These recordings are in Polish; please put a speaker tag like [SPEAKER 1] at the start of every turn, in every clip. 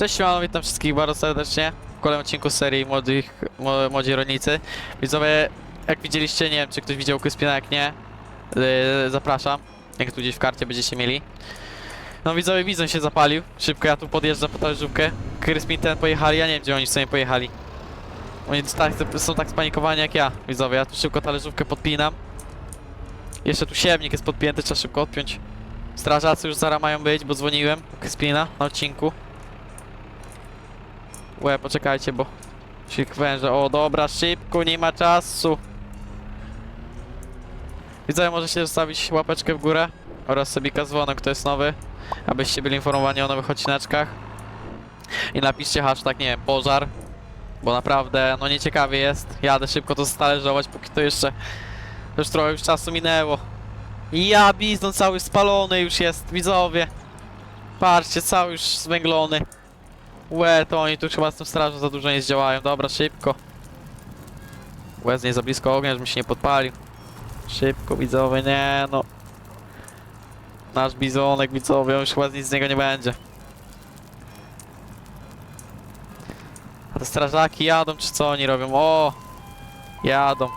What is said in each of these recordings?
[SPEAKER 1] Cześć, witam wszystkich bardzo serdecznie w kolejnym odcinku serii Młodzi Rolnicy. Widzowie, jak widzieliście, nie wiem czy ktoś widział Kryspina, jak nie, zapraszam, jak tu gdzieś w karcie będziecie mieli. No widzowie, Bizon się zapalił, szybko ja tu podjeżdżam po talerzówkę. Kryspin ten pojechali, ja nie wiem gdzie oni sobie pojechali. Oni są tak spanikowani jak ja, widzowie, ja tu szybko talerzówkę podpinam. Jeszcze tu siewnik jest podpięty, trzeba szybko odpiąć. Strażacy już zaraz mają być, bo dzwoniłem u Kryspina na odcinku. Poczekajcie, bo się wężę. O, dobra, szybko, nie ma czasu. Widzowie, możecie zostawić łapeczkę w górę oraz subika z dzwonek, kto jest nowy, abyście byli informowani o nowych odcineczkach. I napiszcie hashtag, nie wiem, pożar, bo naprawdę, no nieciekawie jest. Jadę szybko to zatalerzować, póki to jeszcze już trochę już czasu minęło. Ja, bizon cały spalony już jest, widzowie. Patrzcie, cały już zwęglony. To oni tu chyba z tym strażą za dużo nie zdziałają. Dobra, szybko. Nie za blisko ognia, żebym się nie podpalił. Szybko, widzowie, nie no. Nasz bizonek, widzowie, już chyba nic z niego nie będzie. A te strażaki jadą, czy co oni robią? O! Jadą.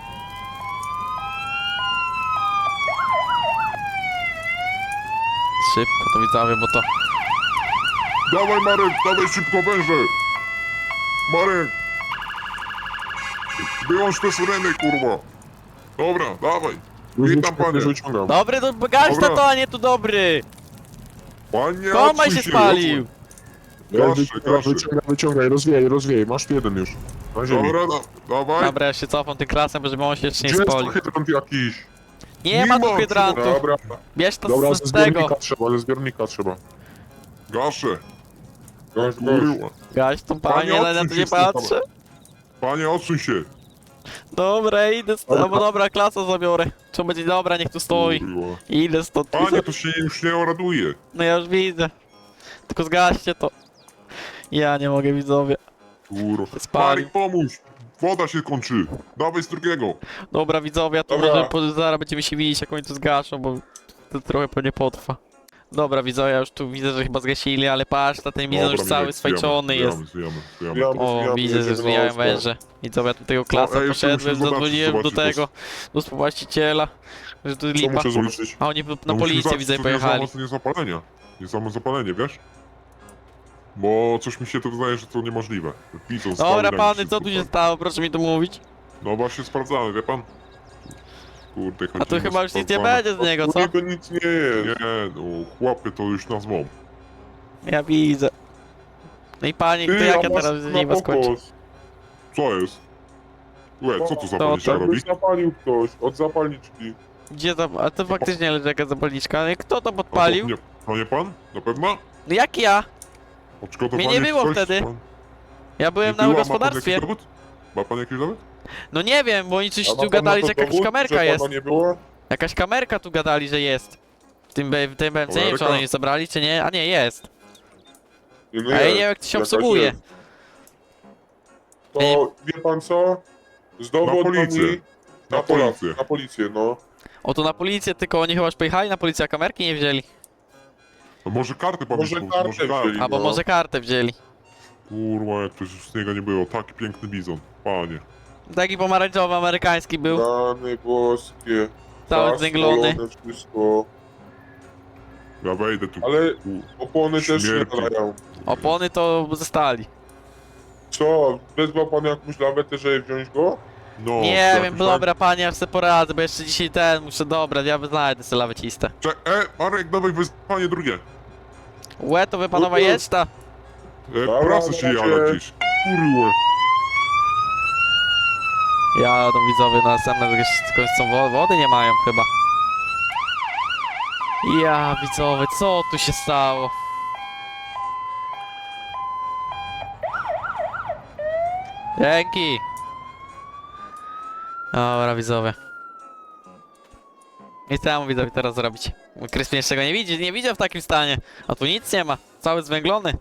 [SPEAKER 1] Szybko to, widzowie, bo to...
[SPEAKER 2] Dawaj Marek, dawaj szybko węże! Marek! Wyłącz te syreny, kurwa! Dobra, dawaj! Witam panie!
[SPEAKER 1] Dobry, to gaś
[SPEAKER 2] Dobra.
[SPEAKER 1] to, a nie tu dobry!
[SPEAKER 2] Panie,
[SPEAKER 1] Komaj
[SPEAKER 2] odsuń
[SPEAKER 1] się spalił!
[SPEAKER 2] Wyciągaj,
[SPEAKER 3] rozwijaj, masz jeden już. Na ziemi.
[SPEAKER 2] Dobra, dawaj!
[SPEAKER 1] Dobra, ja się cofam tym klasem, żeby on się jeszcze nie
[SPEAKER 3] Gdzie jest
[SPEAKER 1] spalił.
[SPEAKER 3] to hydrant jakiś?
[SPEAKER 1] Nie ma tu
[SPEAKER 2] ma,
[SPEAKER 1] hydrantu!
[SPEAKER 3] Dobra,
[SPEAKER 1] Bierz to
[SPEAKER 3] dobra,
[SPEAKER 1] z
[SPEAKER 3] ze
[SPEAKER 1] tego!
[SPEAKER 3] zbiornika trzeba, ze zbiornika trzeba.
[SPEAKER 2] Gaszę!
[SPEAKER 3] Gość.
[SPEAKER 2] Kurwa!
[SPEAKER 1] Gaś to, panie,
[SPEAKER 2] Panie,
[SPEAKER 1] ale na to
[SPEAKER 2] odsuń
[SPEAKER 1] nie
[SPEAKER 2] się z tego.
[SPEAKER 1] patrzę.
[SPEAKER 2] Panie, odsuń się!
[SPEAKER 1] Dobra, idę stąd,
[SPEAKER 3] Dobra.
[SPEAKER 1] bo dobra, klasa zabiorę. Czy będzie dobra, niech tu stoi.
[SPEAKER 2] Kurwa.
[SPEAKER 1] Idę stąd.
[SPEAKER 2] Panie, to się już nie oraduje!
[SPEAKER 1] No ja już widzę. Tylko zgaście to. Ja nie mogę, widzowie.
[SPEAKER 2] Kurwa.
[SPEAKER 1] Spalił.
[SPEAKER 2] Marek, pomóż! Woda się kończy! Dawaj z drugiego!
[SPEAKER 1] Dobra, widzowie, ja tu
[SPEAKER 3] Dobra.
[SPEAKER 1] może zaraz będziemy się widzieć, jak oni tu zgaszą, bo to trochę pewnie potrwa. Dobra, widzowie, ja już tu widzę, że chyba zgasili, ale patrz, na ten bizon już cały swajczony jest.
[SPEAKER 2] Zwijamy.
[SPEAKER 1] O, widzę, że
[SPEAKER 3] jedziemy na
[SPEAKER 1] zwijałem
[SPEAKER 3] ostro.
[SPEAKER 1] węże. Widzowie, ja tu tego klasa
[SPEAKER 2] No, ej, jeszcze
[SPEAKER 1] poszedłem,
[SPEAKER 2] musimy
[SPEAKER 1] zadzwoniłem do
[SPEAKER 2] zobaczyć,
[SPEAKER 1] tego, do współwłaściciela, że tu
[SPEAKER 3] Co
[SPEAKER 1] lipa.
[SPEAKER 3] muszę zobaczyć?
[SPEAKER 1] A oni na policję, widzę, pojechali.
[SPEAKER 2] To nie zapalenia. Nie samo zapalenie, wiesz? Bo coś mi się to wydaje, że to niemożliwe. Bizon
[SPEAKER 1] Dobra,
[SPEAKER 2] stały
[SPEAKER 1] pany,
[SPEAKER 2] ręki
[SPEAKER 1] co tu się
[SPEAKER 2] super.
[SPEAKER 1] stało? Proszę mi to mówić.
[SPEAKER 2] No właśnie sprawdzamy, wie pan? Kurde,
[SPEAKER 1] A tu chyba już nic nie będzie z niego,
[SPEAKER 3] U
[SPEAKER 1] co?
[SPEAKER 3] niego nic nie jest.
[SPEAKER 2] Nie, no chłopy to już nas zwą.
[SPEAKER 1] Ja widzę. No i panie, to jak
[SPEAKER 3] a
[SPEAKER 1] ja
[SPEAKER 3] masz
[SPEAKER 1] teraz z
[SPEAKER 3] na
[SPEAKER 1] niej was kończę?
[SPEAKER 3] pokos.
[SPEAKER 2] Co jest? Co tu
[SPEAKER 1] To-
[SPEAKER 2] zapalniczka robi?
[SPEAKER 3] Jakbyś zapalił ktoś od zapalniczki.
[SPEAKER 1] Gdzie to? A to faktycznie leży jakaś zapalniczka. No i kto to
[SPEAKER 2] A
[SPEAKER 1] podpalił?
[SPEAKER 2] To nie pan? Na pewno?
[SPEAKER 1] No jak ja?
[SPEAKER 2] Odszkodowanie
[SPEAKER 1] Mnie nie było
[SPEAKER 2] coś,
[SPEAKER 1] wtedy.
[SPEAKER 2] pan-
[SPEAKER 1] Ja byłem
[SPEAKER 2] nie
[SPEAKER 1] na
[SPEAKER 2] było?
[SPEAKER 1] gospodarstwie.
[SPEAKER 2] Ma pan jakiś dowód? Ma pan jakiś dowód?
[SPEAKER 1] No nie wiem, bo oni coś
[SPEAKER 3] A ma
[SPEAKER 1] tu
[SPEAKER 3] pan
[SPEAKER 1] gadali,
[SPEAKER 3] na
[SPEAKER 1] że
[SPEAKER 3] to
[SPEAKER 1] jakaś
[SPEAKER 3] dowód,
[SPEAKER 1] kamerka
[SPEAKER 3] że
[SPEAKER 1] jest.
[SPEAKER 3] pana nie było?
[SPEAKER 1] Jakaś kamerka tu gadali, że jest. W tym BMC, nie wiem czy
[SPEAKER 2] Kamerka?
[SPEAKER 1] one nie zabrali, czy nie? A nie, jest.
[SPEAKER 3] Nie,
[SPEAKER 1] A ja nie wiem jak to się
[SPEAKER 3] jakaś
[SPEAKER 1] obsługuje.
[SPEAKER 3] jest. To wie pan co? Z dowodami
[SPEAKER 2] policję. Na policję.
[SPEAKER 3] Na policję, no.
[SPEAKER 1] O, to na policję, tylko oni chyba już pojechali na policję, a kamerki nie wzięli.
[SPEAKER 2] No może karty pan
[SPEAKER 3] Może
[SPEAKER 2] wysłał,
[SPEAKER 3] kartę wzięli.
[SPEAKER 1] Albo
[SPEAKER 3] No.
[SPEAKER 1] może kartę wzięli.
[SPEAKER 2] Kurwa, jak to z niego nie było. Taki piękny bizon. Panie.
[SPEAKER 1] Taki pomarańczowy amerykański był.
[SPEAKER 3] Rany boskie.
[SPEAKER 1] Cały
[SPEAKER 3] Tak,
[SPEAKER 1] zwęglony.
[SPEAKER 3] spalone wszystko.
[SPEAKER 2] Ja wejdę tu.
[SPEAKER 3] Ale opony też nie
[SPEAKER 2] Śmierci.
[SPEAKER 3] dają.
[SPEAKER 1] Opony to ze stali.
[SPEAKER 3] Co? Wezwał pan jakąś lawetę, żeby wziąć go?
[SPEAKER 2] No,
[SPEAKER 1] Nie
[SPEAKER 2] jakoś
[SPEAKER 1] wiem,
[SPEAKER 2] tak.
[SPEAKER 1] dobra panie, ja sobie poradzę, bo jeszcze dzisiaj muszę, dobra, ja znajdę sobie lawecistę.
[SPEAKER 2] Marek, dawaj panie drugie.
[SPEAKER 1] To wy panowa
[SPEAKER 3] Dobra.
[SPEAKER 1] jedź ta.
[SPEAKER 3] Dobra,
[SPEAKER 2] Prasa się
[SPEAKER 3] macie.
[SPEAKER 2] jara gdzieś. Kurwa.
[SPEAKER 1] Jadą widzowie na następne, końcą wody nie mają chyba. Ja widzowie, co tu się stało? Dzięki! Dobra widzowie. I co ja mu widzowie teraz zrobić? Kryspin jeszcze go nie widział w takim stanie. A tu nic nie ma, cały zwęglony.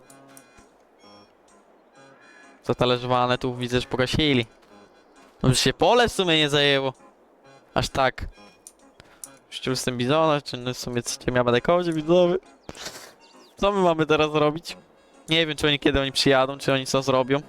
[SPEAKER 1] Zatalerzowane tu widzę, że pogasili. No już się pole w sumie nie zajęło. Aż tak. Szczur z tym bizona, czy w sumie co ja będę kodzie widzowy. Co my mamy teraz zrobić? Nie wiem, czy oni kiedy oni przyjadą, czy oni co zrobią.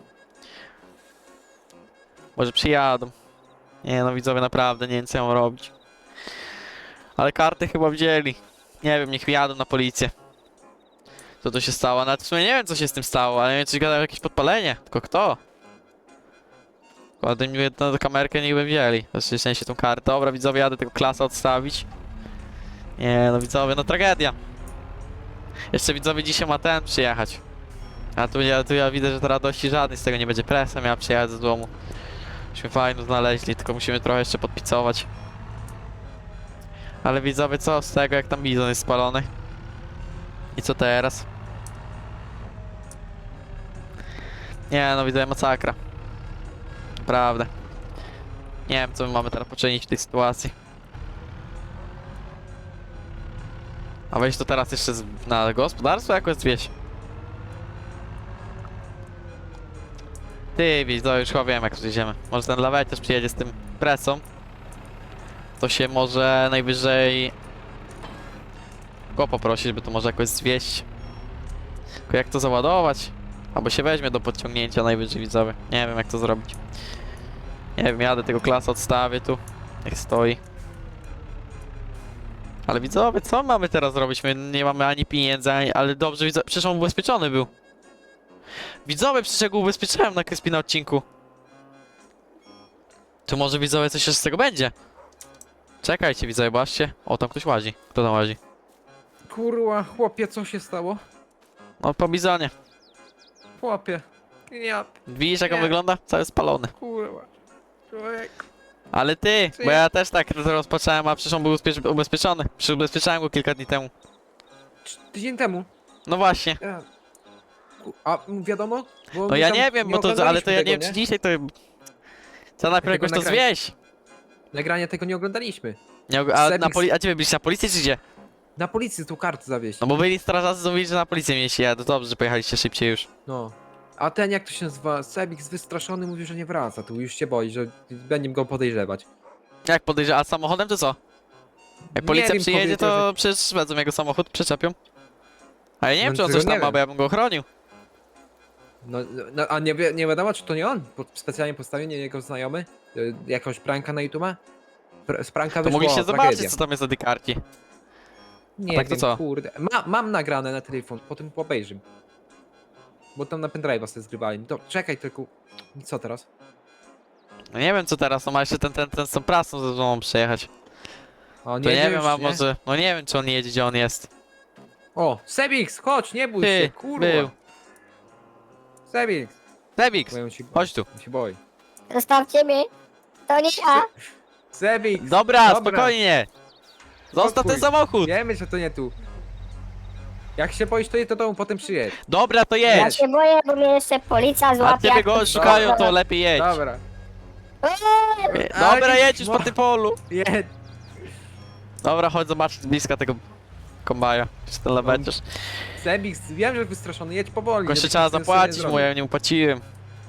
[SPEAKER 1] Może przyjadą. Nie no, widzowie, naprawdę nie wiem, co ja mam robić. Ale karty chyba wzięli. Nie wiem, niech jadą na policję. Co to się stało? Nawet w sumie nie wiem, co się z tym stało, ale nie wiem, coś gadają jakieś podpalenie. Tylko kto? Kładę mi jedną kamerkę, niech by wzięli. Znaczy, w sensie tą kartę. Dobra, widzowie, jadę tego klasa odstawić. Nie no, widzowie, no tragedia. Jeszcze widzowie dzisiaj ma ten przyjechać. A tu ja widzę, że to radości żadnej z tego nie będzie. Presa miała przyjechać z domu. Myśmy fajną znaleźli, tylko musimy trochę jeszcze podpicować. Ale widzowie, co z tego, jak tam bizon jest spalony? I co teraz? Nie no, widzowie, masakra. Naprawdę. Nie wiem, co my mamy teraz poczynić w tej sytuacji. A wejść to teraz jeszcze na gospodarstwo jakoś zwieść. Ty, widzowie, już chyba wiem, jak przyjdziemy. Może ten lawet też przyjedzie z tym presą. To się może najwyżej go poprosić, by to może jakoś zwieść. Tylko jak to załadować? Albo się weźmie do podciągnięcia najwyżej, widzowie. Nie wiem, jak to zrobić. Nie wiem, jadę tego klasa, odstawię tu. Niech stoi. Ale widzowie, co mamy teraz zrobić? My nie mamy ani pieniędzy, ani... Ale dobrze, widzowie, przecież on ubezpieczony był. Widzowie, przecież ja go ubezpieczyłem na Kryspie na odcinku. To może, widzowie, coś jeszcze z tego będzie. Czekajcie, widzowie, zobaczcie. O, tam ktoś łazi. Kto tam łazi?
[SPEAKER 4] Kurwa, chłopie, co się stało?
[SPEAKER 1] No, po bizonie.
[SPEAKER 4] Chłopie. Ja,
[SPEAKER 1] Widzisz, jak on
[SPEAKER 4] Nie.
[SPEAKER 1] wygląda? Cały spalony.
[SPEAKER 4] kurwa. Człowiek.
[SPEAKER 1] Ale ty,
[SPEAKER 4] Ty.
[SPEAKER 1] bo ja też tak to rozpocząłem, a przecież on był ubezpieczony. Przecież ubezpieczałem go kilka dni temu.
[SPEAKER 4] Tydzień temu.
[SPEAKER 1] No właśnie.
[SPEAKER 4] Ja. A wiadomo? Bo
[SPEAKER 1] No
[SPEAKER 4] my
[SPEAKER 1] ja
[SPEAKER 4] tam
[SPEAKER 1] nie wiem, bo to, ale to
[SPEAKER 4] oglądaliśmy
[SPEAKER 1] ja nie
[SPEAKER 4] tego,
[SPEAKER 1] wiem, czy dzisiaj to... Trzeba najpierw
[SPEAKER 4] Tego
[SPEAKER 1] jakoś to
[SPEAKER 4] nagrania.
[SPEAKER 1] zwieść.
[SPEAKER 4] Nagrania tego nie oglądaliśmy.
[SPEAKER 1] Nie, a gdzie wy byliście, na policji czy gdzie?
[SPEAKER 4] Na policji tu kartę zawieźć.
[SPEAKER 1] No bo byli strażacy, mówili, że na policję mieliście jechać. To dobrze, że pojechaliście szybciej już.
[SPEAKER 4] No. A ten, jak to się nazywa, Sebix wystraszony mówi, że nie wraca. Tu już się boi, że będziemy go podejrzewać.
[SPEAKER 1] Jak podejrzewam, a samochodem to co? Jak
[SPEAKER 4] Nie
[SPEAKER 1] policja
[SPEAKER 4] wiem,
[SPEAKER 1] przyjedzie,
[SPEAKER 4] powiedział,
[SPEAKER 1] to przecież wezmą jego samochód, przyczepią. A ja nie wiem,
[SPEAKER 4] No
[SPEAKER 1] czy on
[SPEAKER 4] tego
[SPEAKER 1] coś tam
[SPEAKER 4] nie
[SPEAKER 1] ma,
[SPEAKER 4] wiem.
[SPEAKER 1] bo ja bym go chronił.
[SPEAKER 4] No, a nie wiadomo, czy to nie on? Specjalnie postawił, nie jego znajomy? Jakąś pranka na YouTube? Z pranka
[SPEAKER 1] To
[SPEAKER 4] wyszło
[SPEAKER 1] mogliście
[SPEAKER 4] tragedia.
[SPEAKER 1] zobaczyć, co tam jest na tej karcie.
[SPEAKER 4] Nie
[SPEAKER 1] tak to
[SPEAKER 4] wiem,
[SPEAKER 1] co?
[SPEAKER 4] kurde. Mam nagrane na telefon, potem obejrzym. Bo tam na pendrive'a sobie zgrywali. To czekaj tylko. Co teraz?
[SPEAKER 1] No nie wiem, co teraz, no ma jeszcze ten z tą prasą ze sobą przyjechać.
[SPEAKER 4] O,
[SPEAKER 1] To nie
[SPEAKER 4] jedzie
[SPEAKER 1] wiem,
[SPEAKER 4] już,
[SPEAKER 1] a
[SPEAKER 4] nie?
[SPEAKER 1] może... No nie wiem, czy on jedzie, gdzie on jest.
[SPEAKER 4] O, Sebix, chodź, nie bój się,
[SPEAKER 1] Ty,
[SPEAKER 4] kurwa.
[SPEAKER 1] był.
[SPEAKER 4] Sebix.
[SPEAKER 1] Debix,
[SPEAKER 4] Bo on się boi.
[SPEAKER 1] chodź tu.
[SPEAKER 4] On się boi.
[SPEAKER 5] Zostawcie mnie. To nie ja.
[SPEAKER 4] Sebix.
[SPEAKER 1] Dobra,
[SPEAKER 4] Dobra.
[SPEAKER 1] spokojnie. Zostaw
[SPEAKER 4] Spokój.
[SPEAKER 1] ten samochód.
[SPEAKER 4] Wiemy, że to nie tu. Jak się boisz, to je do domu, potem przyjedź.
[SPEAKER 1] Dobra, to
[SPEAKER 5] Ja
[SPEAKER 1] jedź.
[SPEAKER 5] się boję, bo mnie jeszcze policja złapie.
[SPEAKER 1] A ciebie
[SPEAKER 5] jak
[SPEAKER 1] go
[SPEAKER 5] to
[SPEAKER 1] szukają, to
[SPEAKER 5] przyjdzie.
[SPEAKER 1] lepiej jedź.
[SPEAKER 4] Dobra.
[SPEAKER 1] Dobra,
[SPEAKER 4] Ale
[SPEAKER 1] jedź już
[SPEAKER 4] mo-
[SPEAKER 1] po tym polu.
[SPEAKER 4] Jedź.
[SPEAKER 1] Dobra, chodź zobaczyć z bliska tego kombaja. Czy ten leweciarz.
[SPEAKER 4] Sebix, wiem, że wystraszony, jedź powoli.
[SPEAKER 1] Tylko jeszcze
[SPEAKER 4] żeby
[SPEAKER 1] trzeba
[SPEAKER 4] nic sobie
[SPEAKER 1] zapłacić
[SPEAKER 4] nie
[SPEAKER 1] mu,
[SPEAKER 4] zrobił.
[SPEAKER 1] ja nie upłaciłem.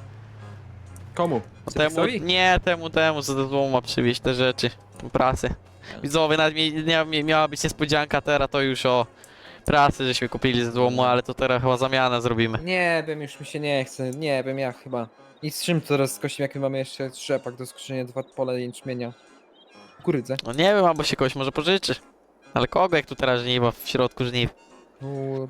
[SPEAKER 4] Komu?
[SPEAKER 1] No temu,
[SPEAKER 4] Sebixowi?
[SPEAKER 1] nie, temu, co do domu ma przywieźć te rzeczy. Tą prasę. Widzowie, nawet miała być niespodzianka teraz, to już o prasy, żeśmy kupili ze złomu, ale to teraz chyba zamianę zrobimy.
[SPEAKER 4] Nie wiem, już mi się nie chce. Nie wiem, ja chyba. I z czym teraz skosimy, jak my mamy jeszcze trzepak do skoszenia, 2 pola jęczmienia. Kukurydze.
[SPEAKER 1] No nie wiem, albo się kogoś może pożyczy. Ale kogo, jak tu teraz żniwa, w środku żniw?
[SPEAKER 4] Kur...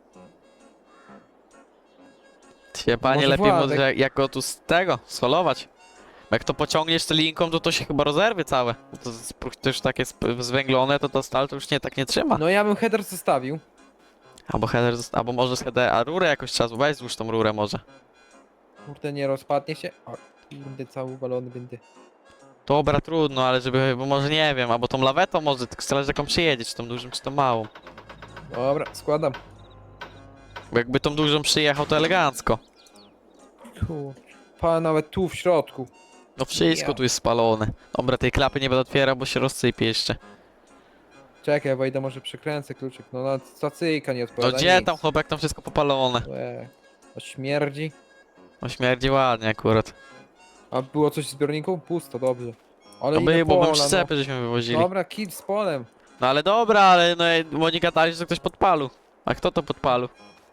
[SPEAKER 1] Się panie
[SPEAKER 4] Może
[SPEAKER 1] lepiej
[SPEAKER 4] Władek?
[SPEAKER 1] może jak go tu z tego, scholować. Bo jak to pociągniesz tę linką, to się chyba rozerwie całe. Bo to już takie zwęglone, to ta stal to już tak nie trzyma.
[SPEAKER 4] No ja bym header zostawił.
[SPEAKER 1] Albo header, albo może z header, a rurę jakoś trzeba weź złóż tą rurę może.
[SPEAKER 4] Kurde, nie rozpadnie się. O, kurde, cały uwalony będę.
[SPEAKER 1] Dobra, trudno, ale żeby, bo może nie wiem, albo tą lawetą może, tylko zależy jaką przyjedzie, czy tą dużą, czy tą małą.
[SPEAKER 4] Dobra, składam.
[SPEAKER 1] Bo jakby tą dużą przyjechał, to elegancko.
[SPEAKER 4] Tu. Pa, nawet tu w środku.
[SPEAKER 1] No wszystko
[SPEAKER 4] Ja.
[SPEAKER 1] tu jest spalone. Dobra, tej klapy nie będę otwierał, bo się rozsypie jeszcze.
[SPEAKER 4] Czekaj, wejdę, może przekręcę kluczyk. No, no stacyjka nie
[SPEAKER 1] No
[SPEAKER 4] odpowiada.
[SPEAKER 1] gdzie
[SPEAKER 4] nic.
[SPEAKER 1] tam chłopak, tam wszystko popalone.
[SPEAKER 4] O śmierdzi.
[SPEAKER 1] No śmierdzi ładnie akurat.
[SPEAKER 4] A było coś w zbiorniku? Pusto, dobrze. Ale
[SPEAKER 1] No
[SPEAKER 4] inne
[SPEAKER 1] by, bo bym
[SPEAKER 4] pola,
[SPEAKER 1] przyczepy żeśmy wywozili.
[SPEAKER 4] no. Dobra, kit z polem.
[SPEAKER 1] No ale dobra, ale no Monika gadali, że ktoś podpalił. A kto to podpalił?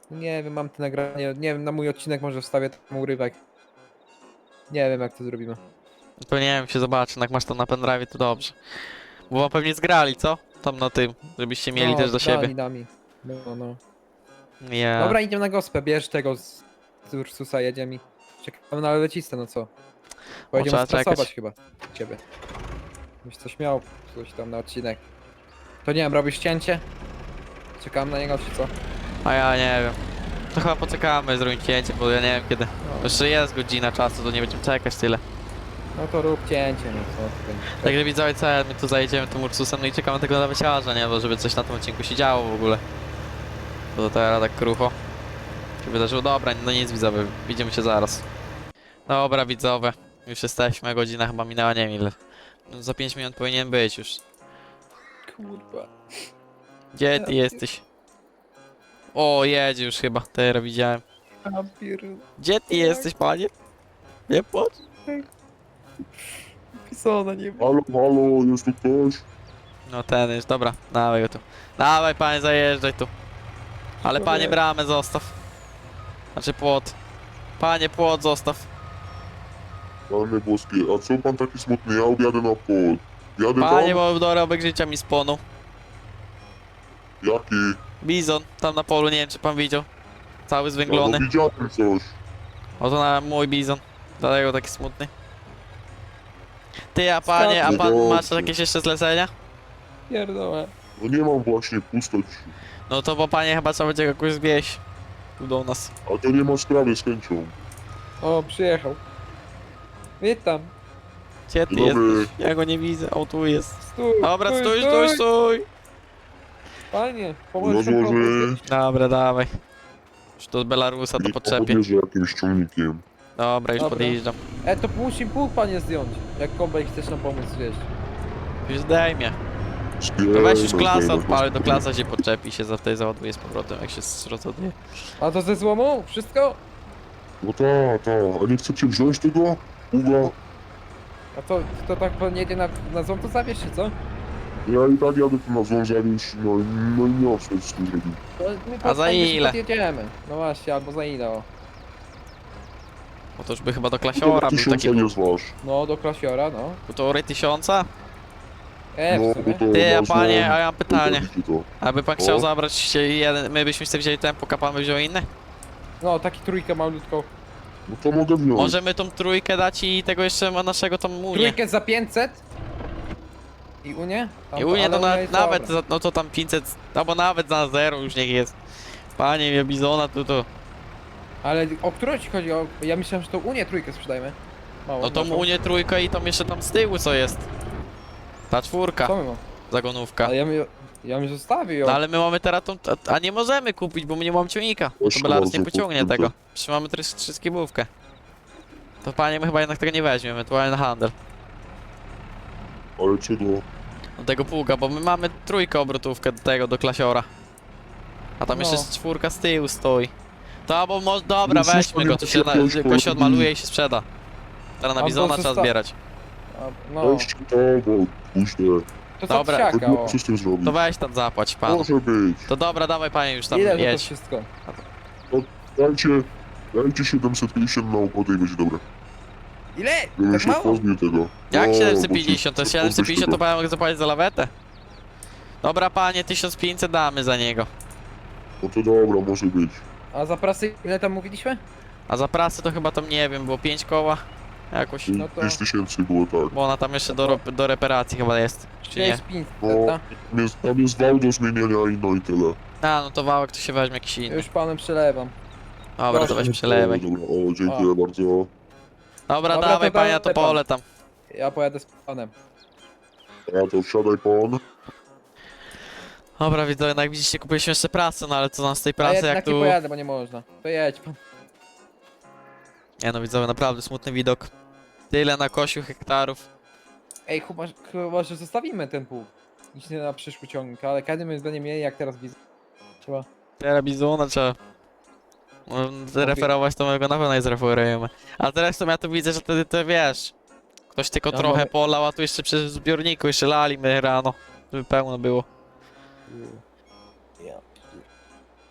[SPEAKER 4] Nie wiem, mam te nagranie, nie wiem, na mój odcinek może wstawię tam urywek. Nie wiem jak to zrobimy.
[SPEAKER 1] To nie wiem, się zobaczy, jak masz to na pendrive, to dobrze. Bo wam pewnie zgrali, co? Tam na tym, żebyście mieli
[SPEAKER 4] No,
[SPEAKER 1] też do siebie.
[SPEAKER 4] Dami. No.
[SPEAKER 1] Nie.
[SPEAKER 4] Dobra, idziemy na gospę, bierz tego z Ursusa, jedziemy i czekamy na lewecistę, no co? Pojedziemy
[SPEAKER 1] trzeba
[SPEAKER 4] stresować
[SPEAKER 1] czekać.
[SPEAKER 4] chyba ciebie. Byś coś miał, coś tam na odcinek. To nie wiem, robisz cięcie? Czekamy na niego, czy co?
[SPEAKER 1] A ja nie wiem. To chyba poczekamy, zrobić cięcie, bo ja nie wiem kiedy.
[SPEAKER 4] No,
[SPEAKER 1] Jeszcze jest godzina czasu, to nie będziemy czekać tyle.
[SPEAKER 4] no to rób cięcie, no co?
[SPEAKER 1] Także widzowie, co, my tu zajedziemy tym Ursusem, no i czekamy tego laweciarza, nie? Bo żeby coś na tym odcinku się działo w ogóle. Bo to teraz tak krucho się wydarzyło. Dobra, no nic widzowie, widzimy się zaraz. Dobra widzowie, już jesteśmy, godzina chyba minęła, nie wiem ile. No, za 5 minut powinien być już.
[SPEAKER 4] Kurwa.
[SPEAKER 1] Gdzie ty jesteś? O, jedzie już chyba, teraz widziałem. Gdzie ty jesteś, panie? Nie płacz.
[SPEAKER 4] Pisona, nie wiem.
[SPEAKER 2] Halo, jest tu ktoś?
[SPEAKER 1] No ten już, dobra, dawaj go tu. Dawaj panie, zajeżdżaj tu. Ale panie
[SPEAKER 4] Człowiek.
[SPEAKER 1] bramę zostaw. Znaczy płot. Panie płot zostaw.
[SPEAKER 2] Panie boskie, a co pan taki smutny? Ja objadę na pol. Jadę
[SPEAKER 1] Panie,
[SPEAKER 2] tam?
[SPEAKER 1] bo dorobek życia mi spłonął.
[SPEAKER 2] Jaki?
[SPEAKER 1] Bizon, tam na polu, nie wiem czy pan widział. Cały
[SPEAKER 2] Ja
[SPEAKER 1] zwęglony.
[SPEAKER 2] no widziałem coś.
[SPEAKER 1] Oto na mój bizon. Dlatego taki smutny. Ty, a panie, a pan
[SPEAKER 2] Dobrze.
[SPEAKER 1] masz jakieś jeszcze zlecenia?
[SPEAKER 4] Pierdolę.
[SPEAKER 2] No nie mam właśnie, pusto ci.
[SPEAKER 1] No to bo panie chyba trzeba będzie jakoś zwieść. Tu do nas.
[SPEAKER 2] A to nie ma sprawy z chęcią.
[SPEAKER 4] O, przyjechał. Witam.
[SPEAKER 1] Gdzie ty
[SPEAKER 2] Dzień dobry.
[SPEAKER 1] jesteś? Ja go nie widzę. O, tu jest.
[SPEAKER 4] Stój,
[SPEAKER 1] Dobra, stój.
[SPEAKER 4] Panie, pomóż
[SPEAKER 2] Rozłoży
[SPEAKER 1] Dobra, dawaj. Już tu z Belarusa to
[SPEAKER 2] i
[SPEAKER 1] podczepię.
[SPEAKER 2] podjeżdża jakimś ciągnikiem.
[SPEAKER 1] Dobra, już
[SPEAKER 4] Dobra.
[SPEAKER 1] podjeżdżam.
[SPEAKER 4] To musi pół panie zdjąć. Jak kombaj chcesz nam pomóc zwieść.
[SPEAKER 1] Już zdejmie. To weź już klasę odpalę, do klasa się podczepi się za tej załaduje z powrotem, jak się rozładuje.
[SPEAKER 4] A to ze złomu? Wszystko?
[SPEAKER 2] No ta, a nie chcecie wziąć tego? Uga?
[SPEAKER 4] A to tak pan jedzie na złom, to zabierz się, co?
[SPEAKER 2] Ja i tak jadę tu na złą zawieźć, no i nie o co z tym zrobić.
[SPEAKER 4] To my
[SPEAKER 1] A za
[SPEAKER 4] podjedziemy,
[SPEAKER 1] ile?
[SPEAKER 4] Podjedziemy. No właśnie, albo za ile, o.
[SPEAKER 1] Bo to już by chyba do klasiora był
[SPEAKER 2] 1000
[SPEAKER 1] taki...
[SPEAKER 2] nie zważ.
[SPEAKER 4] No, do klasiora, no.
[SPEAKER 1] Półtorej 1000?
[SPEAKER 2] No,
[SPEAKER 4] W
[SPEAKER 2] bo
[SPEAKER 4] sumie.
[SPEAKER 2] to
[SPEAKER 1] Ty, a
[SPEAKER 2] na
[SPEAKER 1] panie,
[SPEAKER 2] złą-
[SPEAKER 1] a ja mam pytanie.
[SPEAKER 2] to.
[SPEAKER 1] Aby pan chciał
[SPEAKER 2] O.
[SPEAKER 1] zabrać się jeden, my byśmy sobie wzięli tempo, a pan by wziął inny?
[SPEAKER 4] No, taki trójkę malutką.
[SPEAKER 2] No to mogę wziąć.
[SPEAKER 1] Możemy tą trójkę dać i tego jeszcze ma naszego tam Unię.
[SPEAKER 4] Trójkę za 500? I Unię? Tam
[SPEAKER 1] I Unię
[SPEAKER 4] ale
[SPEAKER 1] to
[SPEAKER 4] Unia jest
[SPEAKER 1] nawet,
[SPEAKER 4] dobra.
[SPEAKER 1] no to tam 500, albo nawet za 0 już niech jest. Panie, mnie bizona tu.
[SPEAKER 4] Ale o którą ci chodzi? Ja myślałem, że to Unię trójkę sprzedajemy. Mało,
[SPEAKER 1] No tą
[SPEAKER 4] naszą.
[SPEAKER 1] Unię trójkę i tą jeszcze tam z tyłu co jest. Ta czwórka,
[SPEAKER 4] Co my mam?
[SPEAKER 1] zagonówka.
[SPEAKER 4] Ale ja mi zostawił ją.
[SPEAKER 1] No ale my mamy teraz tą, a nie możemy kupić, bo my nie mamy ciągnika. To
[SPEAKER 2] Proszę
[SPEAKER 1] Belarus nie
[SPEAKER 2] bardzo,
[SPEAKER 1] pociągnie
[SPEAKER 2] kupię.
[SPEAKER 1] tego. Przecież mamy trzyskibówkę. To panie, my chyba jednak tego nie weźmiemy, ewentualnie na handel.
[SPEAKER 2] Ale co do...
[SPEAKER 1] Do tego pługa, bo my mamy trójkę obrotówkę do tego, do klasiora. A tam
[SPEAKER 4] No.
[SPEAKER 1] jeszcze czwórka z tyłu stoi. To albo może, dobra,
[SPEAKER 2] No,
[SPEAKER 1] weźmy go, to się, go się odmaluje i się sprzeda. Teraz na
[SPEAKER 4] Albo
[SPEAKER 1] bizona trzeba
[SPEAKER 4] zosta-
[SPEAKER 1] zbierać.
[SPEAKER 4] No,
[SPEAKER 2] Weź to, bo później.
[SPEAKER 4] to co
[SPEAKER 1] Dobra,
[SPEAKER 4] psiaka, o.
[SPEAKER 2] Co z tym zrobić?
[SPEAKER 1] To weź tam zapłać panu.
[SPEAKER 2] Może być.
[SPEAKER 1] To dobra, dawaj panie już tam
[SPEAKER 4] Ile za to
[SPEAKER 1] jedź.
[SPEAKER 4] wszystko?
[SPEAKER 2] Dajcie 750 na układ i będzie dobre.
[SPEAKER 4] Ile?
[SPEAKER 2] Bym
[SPEAKER 4] Tak
[SPEAKER 2] się
[SPEAKER 4] mało?
[SPEAKER 2] pozbył tego.
[SPEAKER 1] Jak
[SPEAKER 2] No,
[SPEAKER 1] 750? To
[SPEAKER 2] bo
[SPEAKER 1] 750 to
[SPEAKER 2] tego.
[SPEAKER 1] pan mogę zapłacić za lawetę? Dobra panie, 1500 damy za niego.
[SPEAKER 2] No to dobra, może być.
[SPEAKER 4] A za prasy ile tam mówiliśmy?
[SPEAKER 1] A za prasę to chyba tam nie wiem, było 5 koła. Jakoś.
[SPEAKER 4] No to-
[SPEAKER 2] 5000 było tak.
[SPEAKER 1] Bo ona tam jeszcze do reparacji chyba jest. Czy nie?
[SPEAKER 4] 500,
[SPEAKER 2] No,
[SPEAKER 4] tak?
[SPEAKER 2] tam jest wał do zmienienia i no i tyle.
[SPEAKER 1] A, no to wałek to się weźmie jakiś inny.
[SPEAKER 4] Już panem przelewam.
[SPEAKER 1] Dobra, to
[SPEAKER 4] proszę.
[SPEAKER 1] weź przelewaj.
[SPEAKER 2] Dobra, o, dziękuję bardzo.
[SPEAKER 1] Dobra,
[SPEAKER 4] Dobra,
[SPEAKER 1] dawaj
[SPEAKER 4] to
[SPEAKER 1] panie, ja to
[SPEAKER 4] dawaj pan.
[SPEAKER 1] pole tam.
[SPEAKER 4] Ja pojadę z panem.
[SPEAKER 2] A to wsiadaj pan.
[SPEAKER 1] Dobra, widzę, jak widzicie, kupiliśmy jeszcze pracę, no ale co nam z tej
[SPEAKER 4] A
[SPEAKER 1] pracy,
[SPEAKER 4] jednak
[SPEAKER 1] jak
[SPEAKER 4] nie
[SPEAKER 1] tu...
[SPEAKER 4] pojadę, bo nie można. To jedź pan.
[SPEAKER 1] Nie no, widzowie, naprawdę smutny widok. Tyle na kosiu hektarów.
[SPEAKER 4] Ej, chyba, że zostawimy ten pół. Nic nie na przyszły ciągnik, ale kiedy my będziemy mieli, jak teraz widzę. Trzeba.
[SPEAKER 1] Teraz bizona trzeba... Referować to mojego na pewno nie zreferujemy. A teraz to ja tu widzę, że wtedy to wiesz... Ktoś tylko
[SPEAKER 4] No,
[SPEAKER 1] trochę
[SPEAKER 4] mamy-
[SPEAKER 1] polał, a tu jeszcze przy zbiorniku jeszcze lali my rano. Żeby pełno było.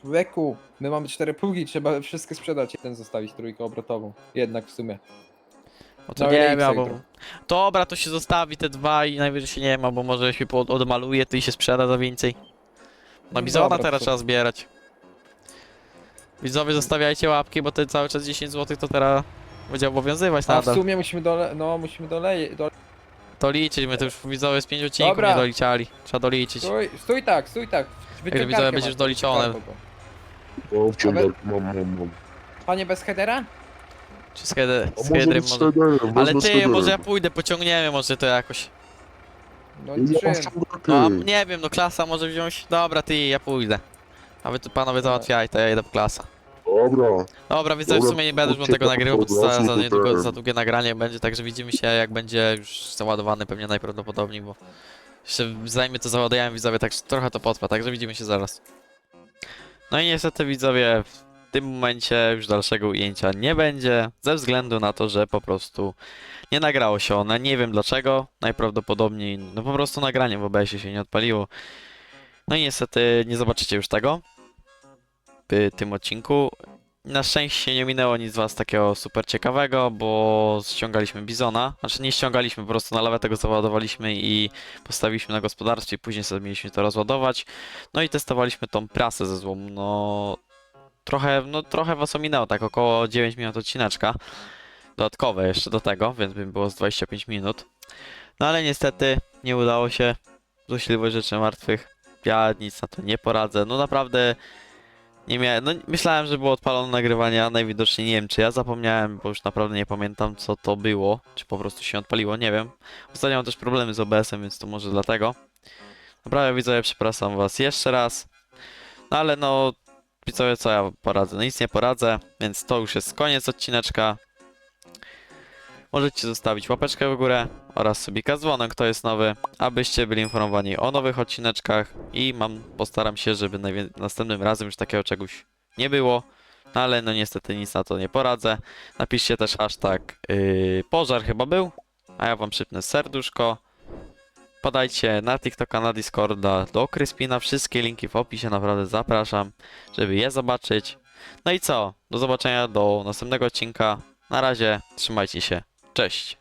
[SPEAKER 4] Człowieku, my mamy 4 pługi, trzeba wszystkie sprzedać, jeden zostawić trójkę obrotową. Jednak w sumie.
[SPEAKER 1] No to
[SPEAKER 4] No,
[SPEAKER 1] nie
[SPEAKER 4] ile
[SPEAKER 1] wiem,
[SPEAKER 4] X
[SPEAKER 1] albo...
[SPEAKER 4] jutro?
[SPEAKER 1] Dobra, to się zostawi te dwa i najwyżej się nie ma, bo może się odmaluje, to i się sprzeda za więcej. No bizona
[SPEAKER 4] Dobra,
[SPEAKER 1] teraz
[SPEAKER 4] to-
[SPEAKER 1] trzeba zbierać. Widzowie, zostawiajcie łapki, bo to cały czas 10 zł to teraz będzie obowiązywać
[SPEAKER 4] A w
[SPEAKER 1] nadal.
[SPEAKER 4] sumie musimy musimy
[SPEAKER 1] To liczyć, my to już widzowie z 5 odcinków
[SPEAKER 4] Dobra.
[SPEAKER 1] nie doliczali. Trzeba doliczyć.
[SPEAKER 4] Stój tak, stój tak.
[SPEAKER 1] widzowie,
[SPEAKER 4] Wyciągarkę
[SPEAKER 1] będziesz
[SPEAKER 4] masz,
[SPEAKER 1] doliczone.
[SPEAKER 4] wyciągarkę go.
[SPEAKER 2] O, wciągarkę mam.
[SPEAKER 4] Panie bez headera?
[SPEAKER 1] Czy z Hedy-
[SPEAKER 2] A
[SPEAKER 1] z
[SPEAKER 2] może
[SPEAKER 1] Hydrym
[SPEAKER 2] być z
[SPEAKER 1] może...
[SPEAKER 2] headerem,
[SPEAKER 1] Ale
[SPEAKER 2] wezmę z
[SPEAKER 1] ty,
[SPEAKER 2] headerem.
[SPEAKER 1] może ja pójdę, pociągniemy może to jakoś.
[SPEAKER 4] No
[SPEAKER 2] Ja mam
[SPEAKER 4] czym?
[SPEAKER 2] wciągarkę.
[SPEAKER 1] No, a nie wiem, no klasa może wziąć... Dobra, ty, ja pójdę. A wy tu panowie załatwiaj, to ja idę po klasa.
[SPEAKER 2] Dobra.
[SPEAKER 1] Dobra, widzowie, w
[SPEAKER 2] Dobra,
[SPEAKER 1] sumie nie będę już wam
[SPEAKER 2] chodźcie
[SPEAKER 1] tego
[SPEAKER 2] tam
[SPEAKER 1] nagrywał, bo
[SPEAKER 2] od
[SPEAKER 1] to
[SPEAKER 2] razu
[SPEAKER 1] za
[SPEAKER 2] do
[SPEAKER 1] niedługo,
[SPEAKER 2] tego.
[SPEAKER 1] za długie nagranie będzie, także widzimy się jak będzie już załadowany pewnie najprawdopodobniej, bo jeszcze zanim to załadujemy widzowie, tak trochę to potrwa, także widzimy się zaraz. No i niestety widzowie, w tym momencie już dalszego ujęcia nie będzie, ze względu na to, że po prostu nie nagrało się one, nie wiem dlaczego, najprawdopodobniej, no po prostu nagranie w OBS-ie się nie odpaliło. No i niestety nie zobaczycie już tego w tym odcinku. Na szczęście nie minęło nic z was takiego super ciekawego, bo ściągaliśmy bizona. Znaczy nie ściągaliśmy, po prostu na lawetę go załadowaliśmy i postawiliśmy na gospodarstwie, później sobie mieliśmy to rozładować. No i testowaliśmy tą prasę ze złomu. Trochę was ominęło, tak około 9 minut odcineczka. Dodatkowe jeszcze do tego, więc by było z 25 minut. No ale niestety nie udało się. Złośliwość rzeczy martwych. Ja nic na to nie poradzę. No naprawdę nie miałem, no myślałem, że było odpalone nagrywanie, a najwidoczniej nie wiem, czy ja zapomniałem, bo już naprawdę nie pamiętam, co to było, czy po prostu się odpaliło, nie wiem. Ostatnio mam też problemy z OBS-em, więc to może dlatego. Naprawdę widzowie, przepraszam was jeszcze raz. No ale no, widzowie, co ja poradzę? No nic nie poradzę, więc to już jest koniec odcineczka. Możecie zostawić łapeczkę w górę oraz subika z dzwonem, kto jest nowy, abyście byli informowani o nowych odcineczkach i postaram się, żeby następnym razem już takiego czegoś nie było, no ale no niestety nic na to nie poradzę. Napiszcie też hashtag pożar chyba był, a ja wam przypnę serduszko. Podajcie na TikToka, na Discorda, do Kryspina, wszystkie linki w opisie, naprawdę zapraszam, żeby je zobaczyć. No i co? Do zobaczenia do następnego odcinka. Na razie, trzymajcie się. Cześć!